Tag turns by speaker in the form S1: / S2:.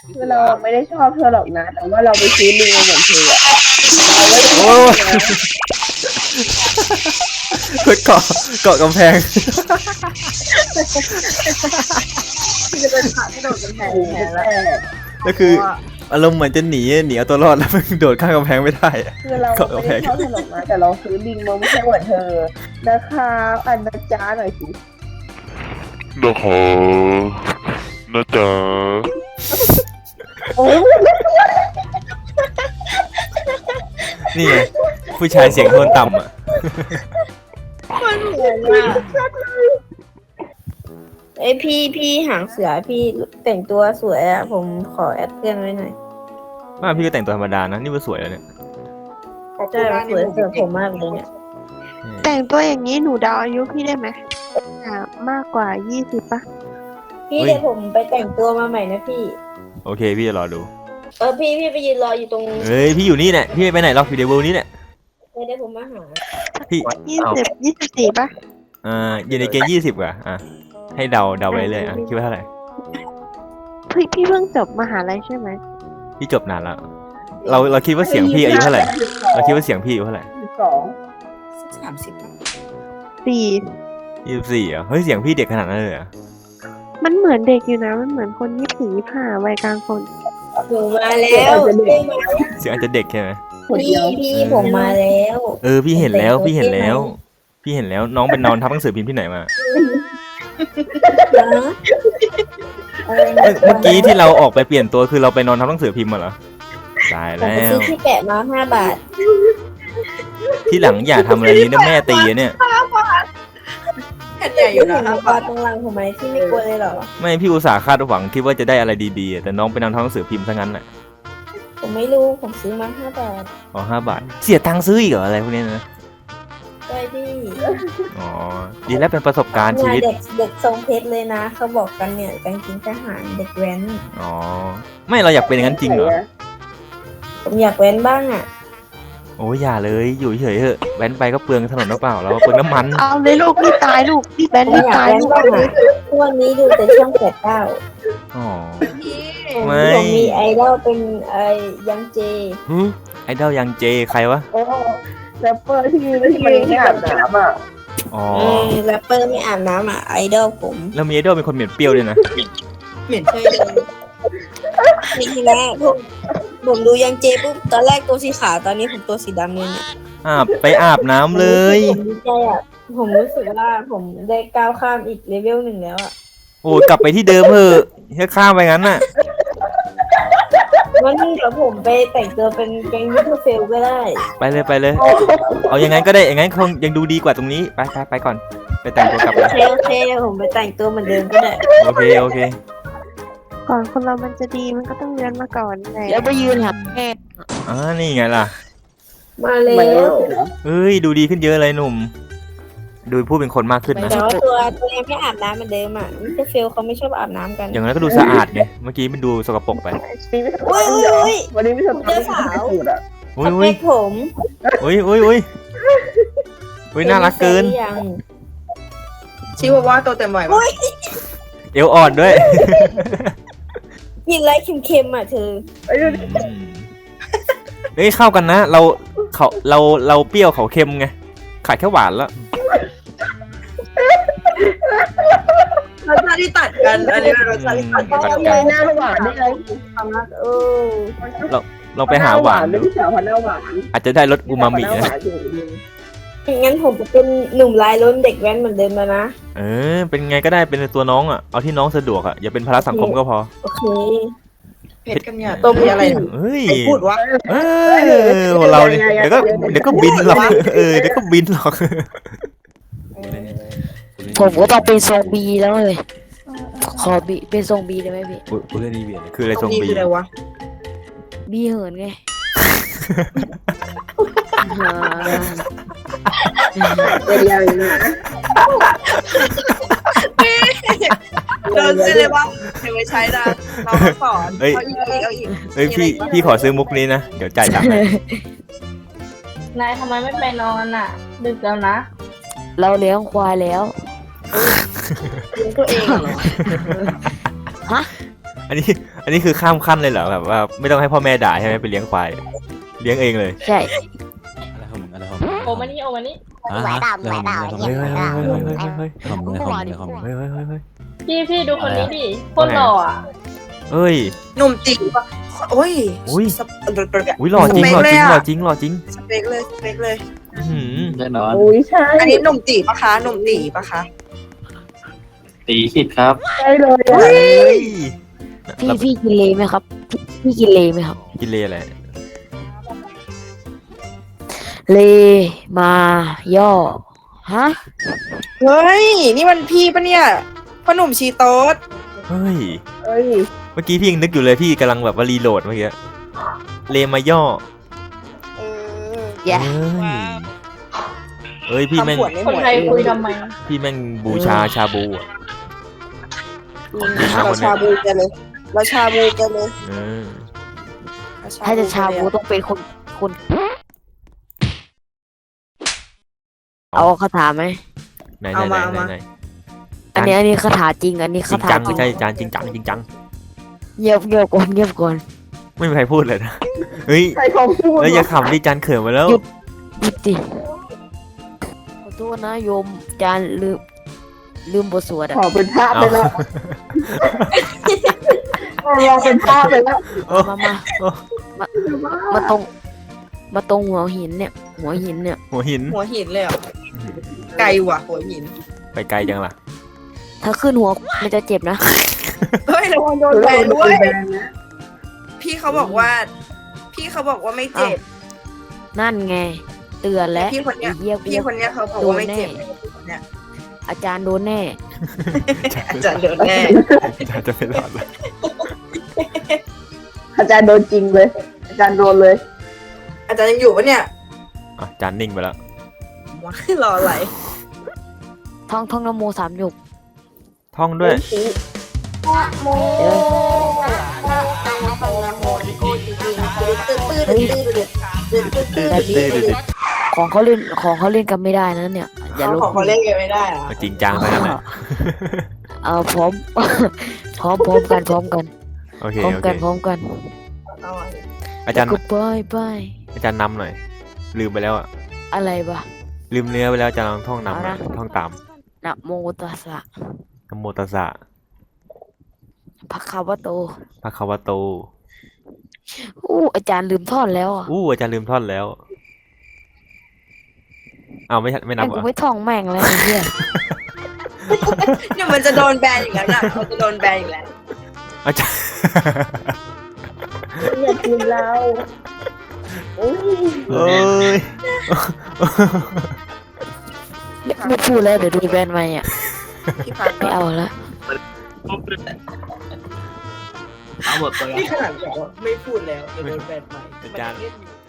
S1: คือเราไม่ได้ชอบเธอหรอกนะแต่ว่าเราไปซื้อลิงมาเหมือนเธออะเราไม่ได้ช
S2: โอ้
S1: อบ
S2: ย
S1: เธอนะ
S2: เกาะกำแพง
S1: ที่จะเป็นขาที่โดดกำแพงแทนแล้ว
S2: ก็คืออารมณ์เหมือนจะหนีเอาตัวรอดแล้วมันโดดข้ามกำแพงไม่ได้อะ
S1: คือเรา
S2: เกาะ
S1: ไม่
S2: กำแพ
S1: ได้
S2: ง
S1: ชอบเธอหรอกนะแต่เราซื้อลิงมาไม่ใช่เหมือนเธอนะคะอันนะจ้าหน่อยสิ
S3: นะคะนะจ๊ะ
S1: โอ้ย
S2: นี่ไงผู้ชายเสียงโทนต่ำอ่ะ
S4: เอ้ยพี่หางเสือพี่แต่งตัวสวยอะผมขอแอดเพื่อนไว้หน่อย
S2: ว่าพี่ก็แต่งตัวธรรมดานะนี่ว่าสวยแล้วเนี่ย
S4: ใช่สวยเสือผมมากเลยเนี่ย
S5: แต่งตัวอย่างนี้หนูเดาอายุพี่ได้ไหมมากกว่า20ปะ
S4: พี่เดี๋ยวผมไปแต่งตัวมาใหม่นะพี่
S2: โอเคพี่จะรอดู
S4: พี่ไปยืนรออยู่ตรง
S2: เฮ้ยพี่อยู่นี่เนี่ยพี่ไม่ไปไหนหรอกอยู่ในเวิลด์นี้เนี่ย
S4: เดี๋ยวผมมาหา
S2: พี่
S5: 24ปะ
S2: อยู่ในเกณฑ์20อ่ะให้เดาไปเลยอ่ะคิดว่าเท่าไหร่
S5: พี่เพิ่งจบมหาลัยใช่ไหม
S2: พี่จบนานแล้วเราคิดว่าเสียงพี่อายุเท่าไหร่เราคิดว่าเสียงพี่อายุเท่าไหร่
S1: สอง
S5: 4
S2: 24อ่ะเฮ้ยเสียงพี่เด็กขนาดนั้นเลยเหรอ่ะ
S5: มันเหมือนเด็กอยู่นะมันเหมือนคน24 25วัยกลางคน
S4: หนูมาแล้วพี่
S2: เสียงอาจจะเด็กใช่ไหม
S1: คนเดียว
S4: ผมมาแล้ว
S2: พี่เห็นแล้วพี่เห็นแล้วน้องเป็นนอนทับหนังสือพิมพ์ที่ไหนมา เมื่อกี้ที่เราออกไปเปลี่ยนตัวคือเราไปนอนทับหนังสือพิมพ์มาเหรอตาย
S4: ผม
S2: แล้
S4: ไปซื้
S2: ว
S4: อที่แปะมา5 บาท
S2: ที่หลังอย่าทำอะไรนี้นะแม่ตีอะเนี่ย
S4: อยู่นะปาตรงหลังผมไหมที่ไม่กลัวเลยเหรอ
S2: ไม่พี่อุตส่าห์คาดหวังคิดว่าจะได้อะไรดีๆแต่น้องไปนอนทับหนังสือพิมพ์ซะงั้นแหละ
S4: ผมไม่รู้ผมซื้อมา5 บาท
S2: อ๋อ5 บาทเสียตังค์ซื้ออีกเหรออะไรพวกนี้นะ
S4: ใช่พี่
S2: อ๋อดีแล้วเป็นประสบการณ์ชีวิต
S4: เด็กทรงเพชรเลยนะเขาบอกกันเนี่ยกางเกงทหารเด็กแว้น
S2: อ๋อไม่เราอยากเป็นอย่างนั้นจริงเหรอ
S4: ผมอยากแว้นบ้างอ่ะ
S2: โอ้ยอย่าเลยอยู่เฉยๆเถอะแว้นไปก็เปลืองถนนหรือเปล่าเราเปลืองน้ำมัน
S5: เอาเลยลูกพี่ตายลูกพี่แบน
S4: ผม
S5: พี่
S4: อยาก
S5: ตาย
S4: แว้น
S5: ลูก
S4: บ้างอ่ะทุกวันนี้ดูแต่ช่อง8 9
S2: อ๋อ
S4: ผม
S2: ไม่
S4: มีไอดอลเป็นยังเจ
S2: ไอดอลยังเจใครวะ
S1: โอ้แรปเปอร์ที่มันไม่อาบน้ำอ่ะ
S2: อ๋อ
S4: แรปเปอร์ไม่อาบน้ำอ่ะไอดอลผม
S2: แล้วมีไอดอลเป็นคนเหม็นเปรี้ยวด้วยนะ
S4: เหม็นใช่เลยนี่นะผมดูยังเจปุ๊บตอนแรกตัวสีขาวตอนนี้ผมตัวสีดำเลยเนี่ย
S2: ไปอาบน้ำเลย
S4: ผมดีใจอ่ะผมรู้สึกว่าผมได้ก้าวข้ามอีกเลเวล 1แล้วอ่ะ
S2: โอ้กลับไปที่เดิมเถอะแค่ข้ามไปงั้นน่ะ
S4: วันนี้เดี๋ยวผมไปแต่งตัวเป็นแก๊งยูทูบเฟลก็ได้
S2: ไปเลยเอาอย่างงั้นก็ได้อย่างงั้นคงยังดูดีกว่าตรงนี้ไปก่อนไปแต่งตัวกลับ
S4: โอเคผมไปแต่งตัวเหมือนเดิมก็ได้
S2: โอเค
S5: ก่อนคนเรามันจะดีมันก็ต้องเรียนมาก่อนแหละ
S6: แล้วไปยืนหาแม่
S2: นี่ไงล่ะ
S4: มาแล้
S1: มัน
S4: ว
S2: เฮ้ยดูดีขึ้นเยอะเลยหนุ่ม ดูพูดเป็นคนมากขึ้นนะ
S4: แต่ว่าตัวยังไม่อาบน้ำเหมือนเดิมอ่ะยูทูบเฟลเขาไม่ชอบอาบน้ำกัน
S2: อย่างนั้นก็ดูสะอาดไงเมื่อกี้มันดูสกปรกไป
S1: วันนี้ไม่ทำอะไรสูตรอ่ะ
S2: อุ้
S4: ส
S2: ย
S4: เปคผม
S2: อุ้ยน่ารักเกิน
S4: ยัง
S6: ชิวาว่าตัวเต็มไหวปะ
S2: เอวอ่อนด้วย
S4: กินอะไรเค็มๆอ่ะเธอ
S2: เฮ้ยเข้ากันนะเราเปรี้ยวเขาเค็มไงขาดแค่หวานแล้ว
S6: รสชาติที่ตัดกัน อันนี้เป็นรสชาติที่ตัดกัน
S2: ตัด
S1: ใจ
S2: กัน
S1: หน้าหวานได้เลย
S4: ความรัก
S2: เราไปหาหวาน
S1: ไม่
S2: ดู
S1: ใช่สาวพันหน้าหวาน
S2: อาจจะได้รสอูมามินะ
S4: งั้นผมจะเป็นหนุ่มลายล้นเด็กแว้นเหมือนเดิมแล้วนะ
S2: เป็นไงก็ได้เป็นตัวน้องอ่ะเอาที่น้องสะดวกอ่ะอย่าเป็นภาระสังคมก็พอ
S4: โอเค
S6: เผ็ดกันเนี่ยต้มอะไรนะ
S2: เฮ้ย
S6: ใครพูดวะ
S2: เราเนี่ยเดี๋ยวก็บินหรอกเดี๋ยวก็บินหรอก
S7: ผมก็ต้องเป็นทรงบีแล้วเลย ขอบีเป็นทรงบีได้ไหมพี่
S2: กูเล่นนี่เบียร์คืออะไรทรง
S6: นี่
S2: บี
S6: คืออะไรวะ
S7: บีเหินไง
S1: เป็นยังไงนะ
S6: โดนไปเลยวะเดี๋ยวไปใช้นะเราสอนเอาอีกเอาอีก
S2: เฮ้ยพี่ขอซื้อมุกนี้นะเดี๋ยวจ่ายตังค์ให้
S4: นายทำไมไม่ไปนอนอ่ะ ดึกแล้วนะ
S7: เราเลี้ยงควายแล้ว
S6: ตัวเองเหรอ
S2: อันอันนี้คือข้ามขั้นเลยเหรอแบบว่าไม่ต้องให้พ่อแม่ด่าใช่ไหมไปเลี้ยงควายเลี้ยงเองเลย
S7: ใช่
S8: โอมานี่โอมานี่
S9: หลายดาวหลายดาว
S2: เฮ้ยเฮ้ยเฮ้ยเฮ้ยเฮ้ยเฮ้ย
S8: พี่ดูคนนี้ดิโคนหล่ออ่ะ
S2: เฮ้ย
S6: หนุ่มจีบโอ้ย
S2: อุ้ย
S6: สเป
S2: อุ้ยหล่อจริงหล่อจริงหล่อจริงหล่อจริง
S6: สเปคเลยสเปคเลย
S2: อื้อหือ
S10: แน่นอน
S1: อุ้ยใช่
S6: อันนี้หนุ่มจีบปะคะหนุ่มจีบปะคะ
S10: ตีขิดครับ
S1: ใช่เลยอะ
S2: เฮ้ย
S7: พี่กินเลไหมครับพี่กินเลไหมครับ
S2: กินเลอะไร
S7: เลมาย่อฮะ
S6: เฮ้ยนี่มันพี่ปะเนี่ยพ่อหนุ่มชีโต๊ด
S2: เฮ้ย
S1: เอ้ย
S2: เมื่อกี้พี่ยังนึกอยู่เลยพี่กำลังแบบว่ารีโหลดเมื่อกี้เลมาย่อ
S7: แย่
S2: เฮ้ยพี่แม่ง
S6: ทำขวดไม่ห
S8: ค
S6: ม
S8: น
S6: ด
S8: ไทยคุยทำไม
S2: พี่แม่งบูชาชาบูอ่ะ
S6: เราชาบูกันเลยเราชาบูกันเลย
S2: เออ
S7: ถ้าจะชาบูต้องเป็นคน เอาคาถาไหม
S2: ไหนไหนไหนไหนไหน
S7: อันนี้คาถาจริง อันนี้
S2: จริ
S7: คาง ถา
S2: จัง
S7: จริง
S2: ใช่จานจริงจังจริงจัง
S7: เงียบก่อน
S2: ไม่มีใครพูดเลยนะเฮ้ย
S1: ใครเขาพูด
S2: แล้วอย่าขำดิจานเขินมาแล้ว
S7: หยุดดิขอโทษนะโยมจานลืมบทสวด
S1: ข
S7: อ่ะ
S1: อเป็นภาพไปแล้วเราเป็นภาพไปแล้ว
S7: มาตรงหัวหินเนี่ย หัวหินเนี่ย
S2: หัวหิน
S6: หัวหินเลยเหรอไกลว่ะหัวหิน
S2: ไปไกลจังล่ะ
S7: ถ้าขึ้นหัวมันจะเจ็บนะ
S6: เฮ้ยระวังโดนแบนด้วย
S1: แบนนะ
S6: พี่เขาบอกว่าไม่เจ็บ
S7: นั่นไง เตือนแล้ว
S6: พี่คนเนี้ย
S7: ไอ้เหี้ย
S6: พี่คนเนี้ยเขาบอกว่าไม่เจ็บเนี่ย
S7: อาจารย์โดนแน่
S6: อาจารย์เดินแน่
S2: จานจะไม่รอดเลย
S1: อาจารย์โดนจริงเลย อาจารย์โดนเลย
S6: อาจารย์ยังอยู่ปะเนี่ย
S2: อ่ะจานนิ่งไปแล้ว
S6: ว้ายรออะไร
S7: ท่องนโม3 จบ
S2: ท่องด้วย
S7: ของเขาเล่นกันไม่ได้นะเนี่ย อย่าลบ
S6: ของเขาเล่นกันไม่ได้อะ
S2: จริงจังไปแล้วนะ
S7: พร้อม พร้อมกัน
S2: โอเค
S7: พร้อม
S2: โอเค
S7: กัน
S6: เอาอะ
S2: อาจารย์
S7: ก็ไป
S2: อาจารย์นำหน่อยลืมไปแล้วอ่ะ
S7: อะไรวะ
S2: ลืมเนื้อไปแล้วอาจารย์ลองท่องนำหน่อย
S7: เอานะ
S2: ท่องตาม
S7: นะโมตัสสะ
S2: นะโมตัสสะ
S7: ภะคะวะโต
S2: ภะคะวะโต
S7: อาจารย์ลืมท่อนแล้วอ่ะ
S2: อาจารย์ลืมท่อนแล้วเอาไม่นับ
S7: แม่ง
S2: เหร
S7: กู
S2: อ
S7: ไม่ท่องแม่งแล้วไอ้เหี้ย
S6: เดี๋ยวมันจะโดนแบนอีกแล้วนะมันจะโดนแบนอีกแล้ว
S2: อาจารย์
S1: อยากกินเราอุ้ย
S2: เอ้ย
S7: ไม่พูดแล้วเดี๋ยวดูแบนใหม่อ่ะ
S6: พี่พัด
S7: ไม่เอาละ
S10: เอาหมดตัว
S6: นี่ขนาดบอกว่าไม่พูดแล้วเดี๋ยวโดนแบนใหม่
S2: อาจารย์
S6: มันยังเล่นอยู่